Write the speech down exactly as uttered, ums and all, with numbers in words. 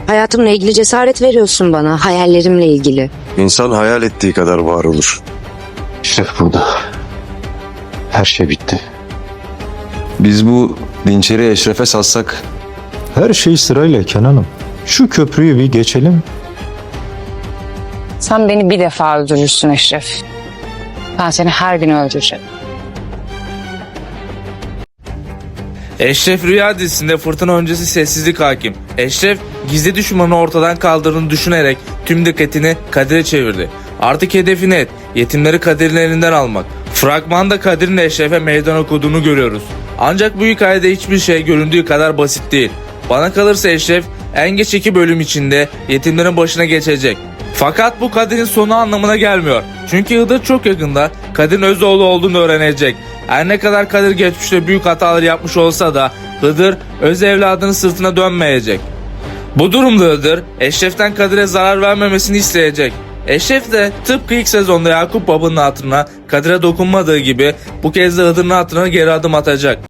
Hayatımla ilgili cesaret veriyorsun bana, hayallerimle ilgili. İnsan hayal ettiği kadar var olur. Eşref burada. Her şey bitti. Biz bu dinçeri Eşref'e satsak Her şey sırayla Kenan'ım. Şu köprüyü bir geçelim. Sen beni bir defa öldürürsün Eşref. Ben seni her gün öldüreceğim. Eşref Rüya dizisinde fırtına öncesi sessizlik hakim. Eşref gizli düşmanı ortadan kaldırdığını düşünerek tüm dikkatini Kadir'e çevirdi. Artık hedefi net, yetimleri Kadir'in elinden almak. Fragmanda Kadir'in Eşref'e meydan okuduğunu görüyoruz. Ancak bu hikayede hiçbir şey göründüğü kadar basit değil. Bana kalırsa Eşref en geç iki bölüm içinde yetimlerin başına geçecek. Fakat bu Kadir'in sonu anlamına gelmiyor. Çünkü Hıdır çok yakında Kadir'in öz oğlu olduğunu öğrenecek. Her ne kadar Kadir geçmişte büyük hatalar yapmış olsa da Hıdır öz evladının sırtına dönmeyecek. Bu durumda Hıdır Eşref'ten Kadir'e zarar vermemesini isteyecek. Eşref de tıpkı ilk sezonda Yakup Baba'nın hatırına Kadir'e dokunmadığı gibi bu kez de Hıdır'ın hatırına geri adım atacak.